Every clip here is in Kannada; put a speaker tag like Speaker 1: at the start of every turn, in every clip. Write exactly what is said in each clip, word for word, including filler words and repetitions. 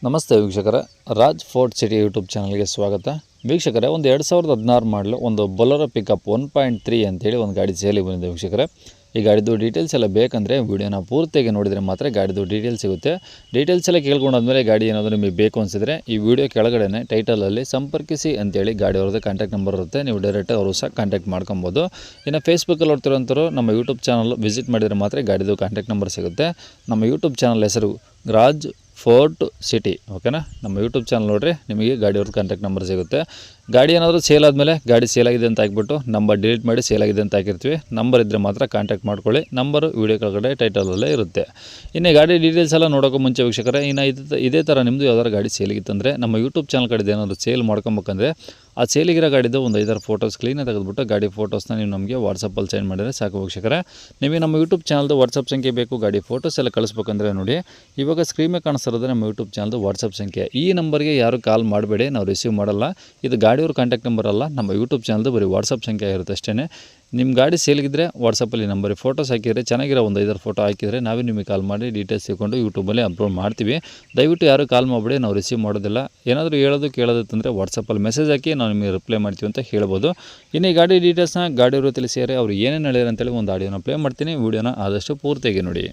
Speaker 1: ನಮಸ್ತೆ ವೀಕ್ಷಕರೇ, ರಾಜ್ ಫೋರ್ಟ್ ಸಿಟಿ ಯೂಟ್ಯೂಬ್ ಚಾನಲ್ಗೆ ಸ್ವಾಗತ. ವೀಕ್ಷಕರೇ, ಒಂದು ಎರಡು ಸಾವಿರದ ಹದಿನಾರು ಮಾಡಲು ಒಂದು Bolero pickup one point three ಅಂತೇಳಿ ಒಂದು ಗಾಡಿ ಸೇಲಿಗೆ ಬಂದಿದೆ ವೀಕ್ಷಕರೇ. ಈ ಗಾಡಿದು ಡೀಟೇಲ್ಸ್ ಎಲ್ಲ ಬೇಕಂದರೆ ವೀಡಿಯೋನ ಪೂರ್ತಿಯಾಗಿ ನೋಡಿದರೆ ಮಾತ್ರ ಗಾಡಿದು ಡೀಟೇಲ್ಸ್ ಸಿಗುತ್ತೆ. ಡೀಟೇಲ್ಸ್ ಎಲ್ಲ ಕೇಳ್ಕೊಂಡಾದ್ಮೇಲೆ ಗಾಡಿ ಏನಾದರೂ ನಿಮಗೆ ಬೇಕು ಅನಿಸಿದರೆ ಈ ವಿಡಿಯೋ ಕೆಳಗಡೆ ಟೈಟಲಲ್ಲಿ ಸಂಪರ್ಕಿಸಿ ಅಂತೇಳಿ ಗಾಡಿ ಅವ್ರದ್ದು ಕಾಂಟ್ಯಾಕ್ಟ್ ನಂಬರ್ ಇರುತ್ತೆ. ನೀವು ಡೈರೆಕ್ಟಾಗಿ ಅವರು ಸಹ ಕಾಂಟ್ಯಾಕ್ಟ್ ಮಾಡ್ಕೊಬೋದು. ಇನ್ನು ಫೇಸ್ಬುಕ್ಕಲ್ಲಿ ನೋಡ್ತಿರೋಂಥವ್ರು ನಮ್ಮ ಯೂಟ್ಯೂಬ್ ಚಾನಲ್ ವಿಸಿಟ್ ಮಾಡಿದರೆ ಮಾತ್ರ ಗಾಡಿದು ಕಾಂಟ್ಯಾಕ್ಟ್ ನಂಬರ್ ಸಿಗುತ್ತೆ. ನಮ್ಮ ಯೂಟ್ಯೂಬ್ ಚಾನಲ್ ಹೆಸರು ರಾಜ್ ಫೋರ್ಟ್ ಸಿಟಿ, ಓಕೆನಾ. ನಮ್ಮ ಯೂಟ್ಯೂಬ್ ಚಾನಲ್ ನೋಡಿರಿ, ನಿಮಗೆ ಗಾಡಿಯವ್ರದ್ದು ಕಾಂಟ್ಯಾಕ್ಟ್ ನಂಬರ್ ಸಿಗುತ್ತೆ. ಗಾಡಿ ಏನಾದರೂ ಸೇಲ್ ಆದಮೇಲೆ ಗಾಡಿ ಸೇಲ್ ಆಗಿದೆ ಅಂತ ಹಾಕ್ಬಿಟ್ಟು ನಂಬರ್ ಡಿಲೀಟ್ ಮಾಡಿ ಸೇಲ್ ಆಗಿದೆ ಅಂತ ಹಾಕಿರ್ತೀವಿ. ನಂಬರ್ ಇದ್ದರೆ ಮಾತ್ರ ಕಾಂಟ್ಯಾಕ್ಟ್ ಮಾಡ್ಕೊಳ್ಳಿ. ನಂಬರು ವೀಡಿಯೋ ಕೆಳಗಡೆ ಟೈಟಲಲ್ಲೇ ಇರುತ್ತೆ. ಇನ್ನು ಗಾಡಿ ಡೀಟೇಲ್ಸ್ ಎಲ್ಲ ನೋಡೋಕ್ಕೂ ಮುಂಚೆ ವೀಕ್ಷಕರೇ, ಇನ್ನು ಇದು ಇದೇ ಥರ ನಿಮ್ಮದು ಯಾವ್ದಾದ್ರು ಗಾಡಿ ಸೇಲಿಗಿತ್ತಂದರೆ ನಮ್ಮ ಯೂಟ್ಯೂಬ್ ಚಾನಲ್ ಕಡೆದು ಏನಾದರೂ ಸೇಲ್ ಮಾಡ್ಕೊಬೇಕಂದ್ರೆ ಆ ಸೇಲಿಗಿರೋ ಗಾಡಿದು ಒಂದು ಐದಾರು ಫೋಟೋಸ್ ಕ್ಲೀನಾಗಿ ತೆಗೆದುಬಿಟ್ಟು ಗಾಡಿ ಫೋಟೋಸ್ನ ನೀವು ನಮಗೆ ವಾಟ್ಸಪ್ಪಲ್ಲಿ ಸೆಂಡ್ ಮಾಡಿದರೆ ಸಾಕು ವೀಕ್ಷಕರೇ. ನಿಮಗೆ ನಮ್ಮ ಯೂಟ್ಯೂಬ್ ಚಾನಲ್ದು ವಾಟ್ಸಪ್ ಸಂಖ್ಯೆ ಬೇಕು, ಗಾಡಿ ಫೋಟೋಸ್ ಎಲ್ಲ ಕಳಿಸ್ಬೇಕಂದ್ರೆ ನೋಡಿ, ಇವಾಗ ಸ್ಕ್ರೀನ್ ಮೇಲೆ ಕಾಣಿಸ್ತಿರೋದು ನಮ್ಮ ಯೂಟ್ಯೂಬ್ ಚಾನಲ್ದು ವಾಟ್ಸಪ್ ಸಂಖ್ಯೆ. ಈ ನಂಬರ್ಗೆ ಯಾರು ಕಾಲ್ ಮಾಡಬೇಡಿ, ನಾವು ರಿಸೀವ್ ಮಾಡಲ್ಲ. ಇದು ಗಾಡಿಯವ್ರ ಕಾಂಟ್ಯಾಕ್ಟ್ ನಂಬರ್ ಅಲ್ಲ, ನಮ್ಮ ಯೂಟ್ಯೂಬ್ ಚಾನಲ್ದು ಬರೀ ವಾಟ್ಸಪ್ ಸಂಖ್ಯೆ ಇರುತ್ತೆ ಅಷ್ಟೇ. ನಿಮ್ಮ ಗಾಡಿ ಸೇಲ್ಗಿದ್ರೆ ವಾಟ್ಸಪ್ಪಲ್ಲಿ ನಂಬರಿಗೆ ಫೋಟೋಸ್ ಹಾಕಿದರೆ, ಚೆನ್ನಾಗಿರೋ ಒಂದು ಐದಾರು ಫೋಟೋ ಹಾಕಿದರೆ ನಾವೇ ನಿಮಗೆ ಕಾಲ್ ಮಾಡಿ ಡೀಟೇಲ್ಸ್ ತಿಳ್ಕೊಂಡು ಯೂಟ್ಯೂಬಲ್ಲಿ ಅಪ್ಲೋಡ್ ಮಾಡ್ತೀವಿ. ದಯವಿಟ್ಟು ಯಾರು ಕಾಲ್ ಮಾಡಿಬಿಡಿ, ನಾವು ರಿಸೀವ್ ಮಾಡೋದಿಲ್ಲ. ಏನಾದರೂ ಹೇಳೋದು ಕೇಳೋದಂದರೆ ವಾಟ್ಸಪ್ಪಲ್ಲಿ ಮೆಸೇಜ್ ಹಾಕಿ ನಾವು ನಿಮಗೆ ರಿಪ್ಲೈ ಮಾಡ್ತೀವಿ ಅಂತ ಹೇಳ್ಬೋದು. ಇನ್ನು ಈ ಗಾಡಿ ಡೀಟೇಲ್ಸ್ನ ಗಾಡಿಯವರು ತಿಳಿಸಿದರೆ ಅವ್ರು ಏನೇನು ಹೇಳ್ಯಾರ ಅಂತೇಳಿ ಒಂದು ಆಡಿಯೋನ ಪ್ಲೇ ಮಾಡ್ತೀನಿ. ವೀಡಿಯೋನ ಆದಷ್ಟು ಪೂರ್ತಿಯಾಗಿ ನೋಡಿ.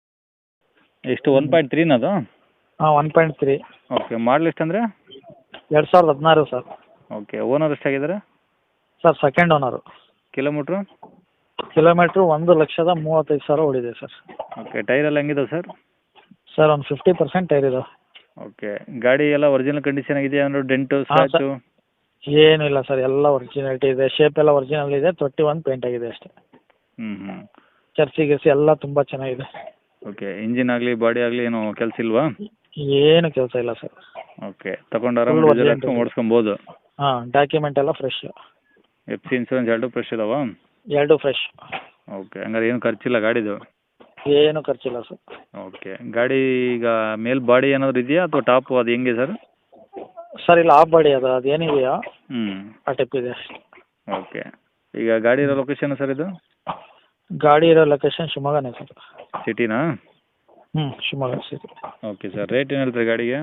Speaker 1: ಎಷ್ಟು ಒನ್ ಪಾಯಿಂಟ್ ತ್ರೀನದು?
Speaker 2: ಹಾಂ, one point three.
Speaker 1: Okay, model ಎಷ್ಟು ಅಂದರೆ?
Speaker 2: ಎರಡು ಸಾವಿರದ ಹದಿನಾರು ಸರ್.
Speaker 1: ಓಕೆ, ಓನರ್ ಎಷ್ಟಾಗಿದ್ದಾರೆ
Speaker 2: sir? Second owner.
Speaker 1: Kilometre?
Speaker 2: Kilometre ಒಂದು ಲಕ್ಷದ ಮೂವತ್ತೈದು ಸಾವಿರ ಓಡಿದೆ ಸರ್.
Speaker 1: ಓಕೆ, ಟೈರ್ ಎಲ್ಲ ಹೆಂಗಿದಾವೆ ಸರ್?
Speaker 2: ಸರ್ ಒಂದು ಫಿಫ್ಟಿ ಪರ್ಸೆಂಟ್ ಟೈರ್ ಇದಾವೆ.
Speaker 1: ಓಕೆ, ಗಾಡಿ ಎಲ್ಲ ಒರಿಜಿನಲ್ ಕಂಡೀಷನ್ ಆಗಿದೆಯಾ ಅಂದರೆ ಡೆಂಟು ಸ್ಕ್ರಾಚು?
Speaker 2: ಏನಿಲ್ಲ ಸರ್, ಎಲ್ಲ ಒರಿಜಿನಾಲಿಟಿ ಇದೆ. ಶೇಪ್ ಎಲ್ಲ ಒರಿಜಿನಲ್ ಇದೆ. ತೊಟ್ಟಿ ಒಂದು ಪೇಂಟ್ ಆಗಿದೆ ಅಷ್ಟೇ.
Speaker 1: ಹ್ಞೂ ಹ್ಞೂ
Speaker 2: ಚರ್ಚಿ ಗಿರ್ಸಿ ಎಲ್ಲ ತುಂಬ ಚೆನ್ನಾಗಿದೆ.
Speaker 1: ಓಕೆ, ಇಂಜಿನ್ ಆಗಲಿ ಬಾಡಿ ಆಗಲಿ ಏನು ಕೆಲಸ ಇಲ್ವಾ?
Speaker 2: ಏನು ಕೆಲಸ ಇಲ್ಲ ಸರ್.
Speaker 1: ಓಕೆ, ತಗೊಂಡು ಆರಾಮಾಗಿ ಓಡಿಸ್ಕೊಬೋದು.
Speaker 2: ಹಾಂ, ಡಾಕ್ಯುಮೆಂಟ್ ಎಲ್ಲ ಫ್ರೆಶ್.
Speaker 1: ಎಫ್ ಸಿ ಇನ್ಸೂರೆನ್ಸ್ ಎರಡು ಫ್ರೆಶ್ ಇದಾವಾ?
Speaker 2: ಎರಡು ಫ್ರೆಶ್.
Speaker 1: ಓಕೆ, ಹಂಗಾರೆ ಏನು ಖರ್ಚಿಲ್ಲ ಗಾಡಿದು?
Speaker 2: ಏನು ಖರ್ಚಿಲ್ಲ ಸರ್.
Speaker 1: ಓಕೆ, ಗಾಡಿ ಈಗ ಮೇಲ್ ಬಾಡಿ ಏನಾದರೂ ಇದೆಯಾ ಅಥವಾ ಟಾಪು ಅದು ಹೆಂಗೆ ಸರ್?
Speaker 2: ಸರ್ ಇಲ್ಲ, ಆಫ್ ಬಾಡಿ ಅದು ಅದೇನಿದೆಯೋ
Speaker 1: ಹ್ಞೂ
Speaker 2: ಆ ಟೈಪ್ ಇದೆ ಅಷ್ಟೇ.
Speaker 1: ಓಕೆ, ಈಗ ಗಾಡಿ ಇರೋ ಲೊಕೇಶನ್ ಸರ್ ಇದು?
Speaker 2: ಗಾಡಿ ಇರೋ ಲೊಕೇಶನ್ ಶಿವಮೊಗ್ಗನೇ ಸರ್.
Speaker 1: ಸಿಟಿನಾ?
Speaker 2: ಹ್ಞೂ, Shivamogga city.
Speaker 1: Okay sir, rate ಏನು ಹೇಳ್ತೀರಿ ಗಾಡಿಗೆ?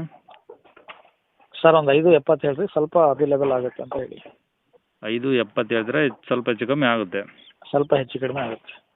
Speaker 2: ಸರ್ ಒಂದು ಐದು ಎಪ್ಪತ್ತು ಹೇಳ್ರಿ, ಸ್ವಲ್ಪ ಅವೈಲೇಬಲ್ ಆಗುತ್ತೆ ಅಂತ ಹೇಳಿ.
Speaker 1: ಐದು ಎಪ್ಪತ್ತು ಹೇಳಿದ್ರೆ ಸ್ವಲ್ಪ ಹೆಚ್ಚು ಕಮ್ಮಿ ಆಗುತ್ತೆ.
Speaker 2: ಸ್ವಲ್ಪ ಹೆಚ್ಚು ಕಡಿಮೆ ಆಗುತ್ತೆ.